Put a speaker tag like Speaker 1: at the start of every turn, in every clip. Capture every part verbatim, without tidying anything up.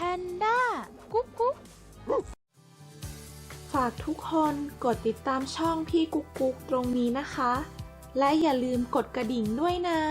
Speaker 1: นด้ากุ๊กกุ๊ก
Speaker 2: ฝากทุกคนกดติดตามช่องพี่กุ๊กกุ๊กตรงนี้นะคะ และอย่าลืมกดกระดิ่งด้วยนะ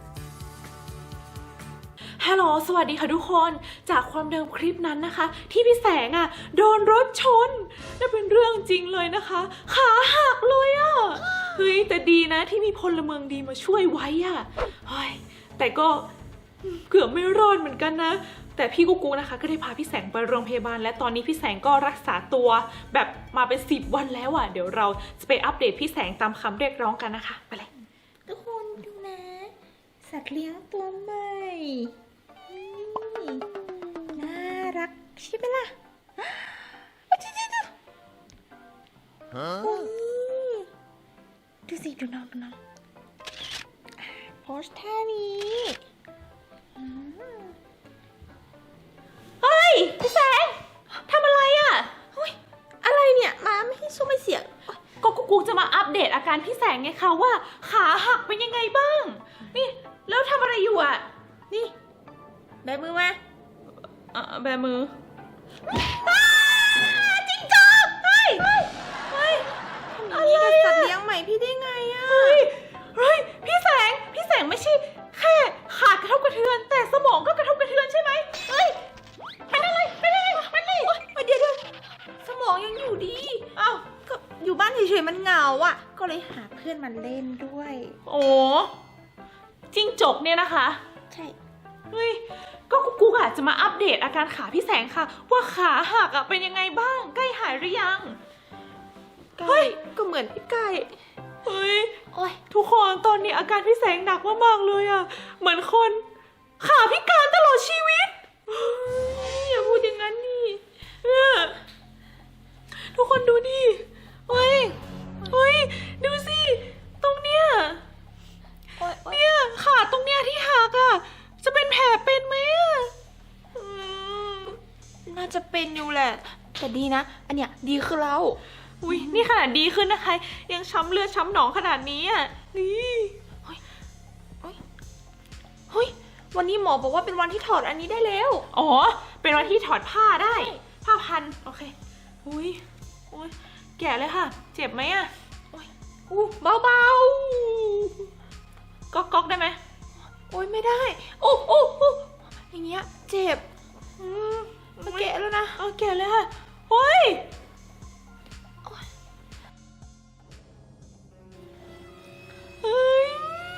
Speaker 2: ฮัลโหลสวัสดีค่ะทุกคนจากความเดิมคลิปนั้นนะคะที่พี่แสงอ่ะโดนรถชนนั่นเป็นเรื่องจริงเลยนะคะขาหักเลยอ่ะเฮ้ยแต่ดีนะที่มีพลเมืองดีมาช่วยไว้อ่ะเฮ้ยแต่ก็เกือบไม่รอดเหมือนกันนะแต่พี่กุ๊กกุ๊กนะคะก็ได้พาพี่แสงไปโรงพยาบาลและตอนนี้พี่แสงก็รักษาตัวแบบมาเป็นสิบวันแล้วอ่ะเดี๋ยวเราจะไปอัปเดตพี่แสงตามคำเรียกร้องกันนะคะไปเลยทุกคนดูนะสัตว์เลี้ยงตัวใหม่น่ารักใช่ไหมล่ะดูสิดูน้องดูน้องโพสท่านี้เฮ้ยพี่แสงทำอะไรอ่ะเฮ้ยอะไรเนี่ยมาไม่ให้สู้ไม่เสียก็กุ๊กกุ๊กจะมาอัปเดตอาการพี่แสงไงคะว่าขาหักเป็นยังไงบ้างนี่แล้วทำอะไรอยู่อ่ะนี่แบมือมาอ่ะแบมือจริงจังเฮ้ยเฮ้ยทำอย่างนี้กับสัตว์เลี้ยงใหม่พี่ได้ไงอ่ะเฮ้ยเฮ้ยพี่แสงพี่แสงไม่ใช่แค่ขากระทบกระเทือนแต่สมองก็กระทบกระเทือนใช่ไหมเฮ้ยเป็นอะไรเป็นอะไรเป็นอะไรเดี๋ยวเดี๋ยวสมองยังอยู่ดีอ้าวก็อยู่บ้านเฉยๆมันเหงาอ่ะก็เลยหาเพื่อนมาเล่นด้วยโอ้จิ้งจกเนี่ยนะคะใช่เฮ้ยก็กุ๊กกุ๊กอ่ะจะมาอัปเดตอาการขาพี่แสงค่ะว่าขาหักอ่ะเป็นยังไงบ้างใกล้หายหรือยังเฮ้ยก็เหมือนพี่ไก่เฮ้ยโอ้ยทุกคนตอนนี้อาการพี่แสงหนักมากๆเลยอ่ะเหมือนคนขาพิการตลอดชีวิตอย่าพูดอย่างนั้นนี่ทุกคนดูดิเฮ้ยเฮ้ยดูสิตรงเนี้ยเนี่ยขาตรงเนี้ยที่หักอ่ะจะเป็นแผลเป็นไหมอ่ะน่าจะเป็นอยู่แหละแต่ดีนะอันเนี้ยดีขึ้นแล้วอุ้ยนี่ขนาดดีขึ้นนะคะยังช้ำเลือดช้ำหนองขนาดนี้อ่ะนี่เฮ้ยเฮ้ยเฮ้ยวันนี้หมอบอกว่าเป็นวันที่ถอดอันนี้ได้แล้วอ๋อเป็นวันที่ถอดผ้าได้ผ้าพันโอเคอุ้ยอุ้ยแก่เลยค่ะเจ็บไหมอ่ะอุ้ยอู้เบาเบาก๊อกก๊อกได้ไหมโอ้ยไม่ได้โอ้โอ้โอ้อย่างเงี้ยเจ็บอืมมาแกะแล้วนะเอาแกะเลยค่ะเฮ้ยเฮ้ย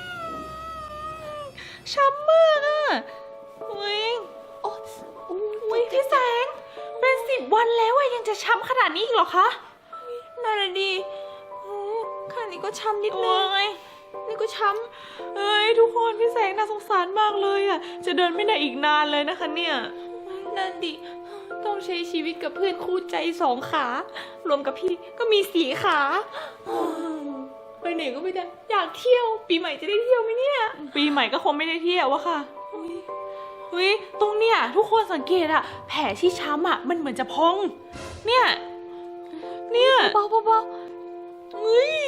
Speaker 2: ช้ำมากอ่ะเฮ้ยโอ้โอ้ยพี่แสงเป็นสิบวันแล้วอะยังจะช้ำขนาดนี้อีกเหรอคะน่าเลยดีข้างนี้ก็ช้ำนิดนึงนี่ก็ช้ำเอ้ยทุกคนพี่แสงน่าสงสารมากเลยอ่ะจะเดินไม่ได้อีกนานเลยนะคะเนี่ยนั่นดิต้องใช้ชีวิตกับเพื่อนคู่ใจสองขารวมกับพี่ก็มีสี่ขาไปไหนก็ไม่ได้อยากเที่ยวปีใหม่จะได้เที่ยวไหมเนี่ยปีใหม่ก็คงไม่ได้เที่ยววะค่ะเฮ้ยตรงเนี้ยทุกคนสังเกตอะแผลที่ช้ำอะมันเหมือนจะพองเนี่ยเนี่ยเบาเบาเฮ้ย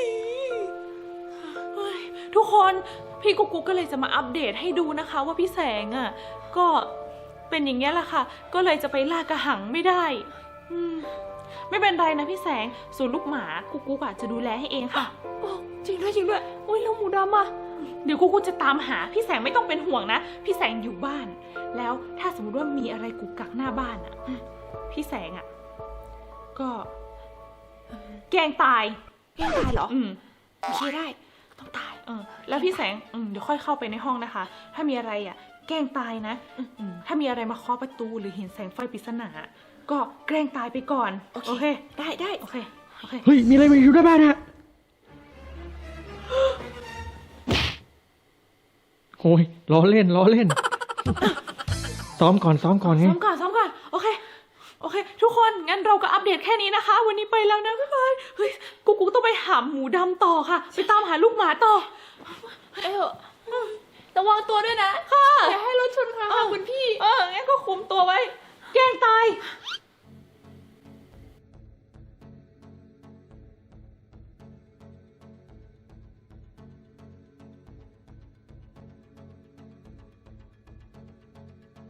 Speaker 2: ทุกคนพี่กุ๊กกุ๊กก็เลยจะมาอัปเดตให้ดูนะคะว่าพี่แสงอ่ะก็เป็นอย่างเงี้ยแหละค่ะก็เลยจะไปล่ากระหังไม่ได้อืมไม่เป็นไรนะพี่แสงส่วนลูกหมากุ๊กกุ๊กอ่ะจะดูแลให้เองค่ะโอ้จริงด้วยจริงด้วยโอ้ยแล้วหมูดำอ่ะเดี๋ยวกุ๊กกุ๊กจะตามหาพี่แสงไม่ต้องเป็นห่วงนะพี่แสงอยู่บ้านแล้วถ้าสมมติว่ามีอะไรกุกกักหน้าบ้านอ่ะพี่แสงอ่ะก็แกล้งตายแกล้งตายเหรออืมโอเคได้ต้องตายเออแล้วพี่แสงอืมเดี๋ยวค่อยเข้าไปในห้องนะคะถ้ามีอะไรอ่ะแกล้งตายนะอืมถ้ามีอะไรมาเคาะประตูหรือเห็นแสงไฟปริศนาก็แกล้งตายไปก่อนโอเคได้ได้โอเคโอเค
Speaker 3: เฮ้ยมีอะไรมาอยู่หน้าบ้านฮะโอ้ยล้อเล่นล้อเล่นซ้อมก่อนซ้อมก่อนไง
Speaker 2: ซ้อมก่อนซ้อมก่อนโอเคโอเคทุกคนงั้นเราก็อัปเดตแค่นี้นะคะวันนี้ไปแล้วนะบ๊ายบายเฮ้ยกูกูต้องไปหาหมูดำต่อค่ะไปตามหาลูกหมาต่อเออระวังตัวด้วยนะค่ะอย่าให้รถชนค่ะคุณพี่เอองั้นก็คุมตัวไว้แกล้งตาย